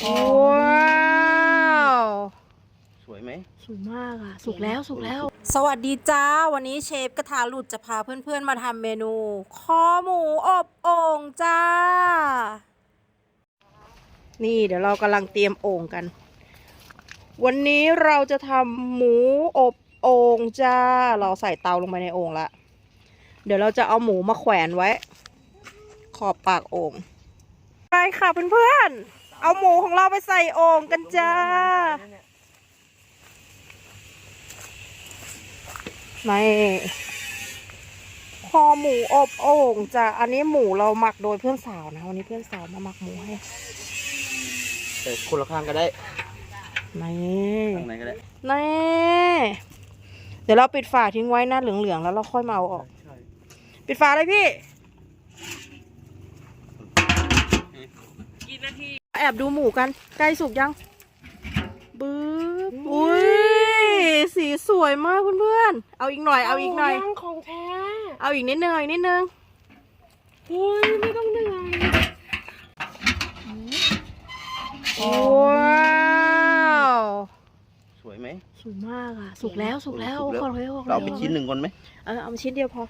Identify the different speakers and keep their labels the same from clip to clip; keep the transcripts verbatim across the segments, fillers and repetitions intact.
Speaker 1: ว้าว
Speaker 2: สวยไหม
Speaker 1: สวยมากอ่ะสุกแล้วสุกแล้วสวัสดีจ้าวันนี้เชฟกระทะหลุดจะพาเพื่อนๆมาทำเมนูคอหมูอบโอ่งจ้านี่เดี๋ยวเรากำลังเตรียมโอ่งกันวันนี้เราจะทำหมูอบโอ่งจ้าเราใส่เตาลงไปในโอ่งละเดี๋ยวเราจะเอาหมูมาแขวนไว้ขอบปากโอ่งไปค่ะเพื่อนๆเอาหมูของเราไปใส่โอ่งกันจ้าไม่คอหมูอบโอ่งจ้ะอันนี้หมูเราหมักโดยเพื่อนสาวนะวันนี้เพื่อนสาวมาหมักหมูให้
Speaker 2: แต่คนละข้างก็ได้
Speaker 1: นี่
Speaker 2: ข้างไหนก็ได้
Speaker 1: นี่เดี๋ยวเราปิดฝาทิ้งไว้นะเหลืองๆแล้วเราค่อยมาเอาออกปิดฝาเลยพี่กี่นาทีแอบดูหมูกันใกล้สุกยังบึ้บอุ้ยสีสวยมากเพื่อนๆเอาอีกหน่อยเอาอีกหน่อย
Speaker 3: ของแท้
Speaker 1: เอาอีกนิดนึงอีกนิดนึง
Speaker 3: อุ้ยไม่ต้องเหนื่อย
Speaker 1: ว้าว
Speaker 2: สวยไหม
Speaker 1: สวยมากอ่ะสุกแล้วสุกแล้วขอเลยขอเลย
Speaker 2: เราเอาไปชิ้นหนึ่งก่อนไหม
Speaker 1: เออเอาชิ้นเดียวพอ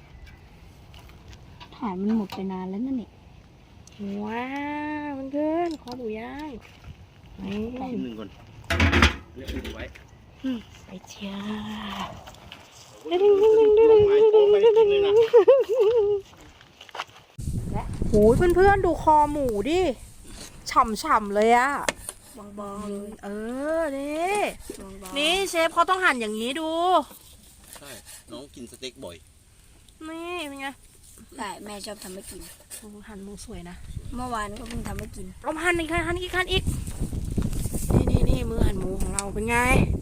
Speaker 3: ถ่ายมันหมดไปนานแล้วนั่นนี่
Speaker 1: ว้าวเพื่อนๆขอหมูย่างนี่
Speaker 2: ชิ้นหนึ่งก่อนเลือกไว้
Speaker 1: ใส่เชียโอ้ยเพื่อนๆดูคอหมูดิฉ่ำๆเลยอะ
Speaker 3: บางๆเลย
Speaker 1: เออนี่นี่เชฟเขาต้องหั่นอย่างนี้ดู
Speaker 2: ใช่น้องกินสเต็กบ่อย
Speaker 1: นี่เป็นไง
Speaker 3: ได้แม่ชอบทำให้กิน
Speaker 1: หั่นหมูสวยนะ
Speaker 3: เมื่อวานก็เพิ่งทำให้กิน
Speaker 1: เอาหั่นอีกหั่นอีกหั่นอีกนี่นี่นี่มือหั่นหมูของเราเป็นไง